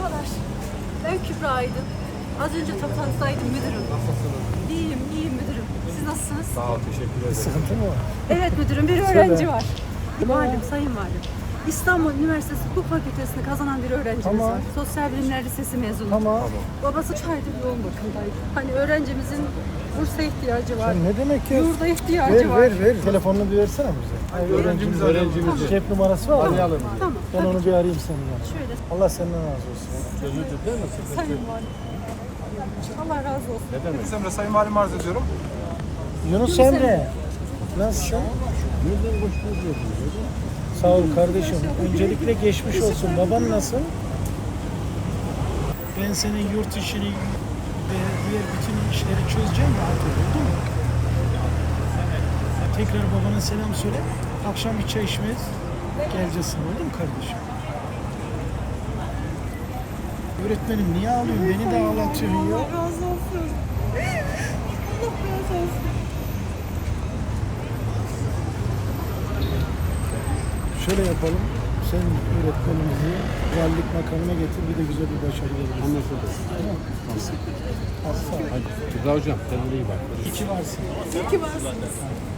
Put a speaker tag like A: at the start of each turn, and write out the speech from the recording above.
A: Merhabalar. Ben Kübra Aydın. Az önce toplantıdaydım müdürüm.
B: Nasılsınız?
A: İyiyim müdürüm. Siz nasılsınız?
B: Sağ ol, teşekkür ederim.
C: Sıkıntı mı var?
A: Evet müdürüm, bir öğrenci var. Valim, sayın valim. İstanbul Üniversitesi Hukuk Fakültesini kazanan bir öğrencimiz
C: Tamam.
A: var. Sosyal Bilimler Lisesi mezunu.
C: Tamam.
A: Babası 3 aydır yoğun bakımdaydı. Hani öğrencimizin bursa ihtiyacı var.
C: Sen ne demek ya?
A: Yurda ihtiyacı var.
C: Ver. Telefonunu bir versene bize.
B: Öğrencimiz.
C: Cep numarası var mı?
B: Arayalım.
A: Tamam.
C: Ben onu bir arayayım senin yanına.
A: Şöyle
C: Allah senden razı olsun.
B: Çözüldü değil mi?
A: sayın valim. Allah razı olsun.
B: Ne demek?
D: Emre Sayın Valim arz ediyorum.
C: Yunus Emre. Nasılsın?
B: Nereden koşturuyorsun?
C: Sağ ol kardeşim. Öncelikle geçmiş olsun. Baban nasıl? Ben senin yurt işini ve diğer bütün işleri çözeceğim rahat ol. Oldu mu? Tekrar babana selam söyle. Akşam bir çay içmez. Geleceksin. Oldu mu kardeşim? Öğretmenim niye ağlıyorsun? Beni de ağlatıyorsun ya.
A: Allah razı olsun. Allah razı olsun.
C: Şöyle yapalım. Sen öğretmenimizi valilik makamına getir. Bir de güzel bir başarı verelim.
B: Anlaşıldı.
C: Tamam. Sağ ol.
B: Hadi. Kübra hocam, kendine iyi bak.
C: İki varsın.
A: İyi ki varsınız.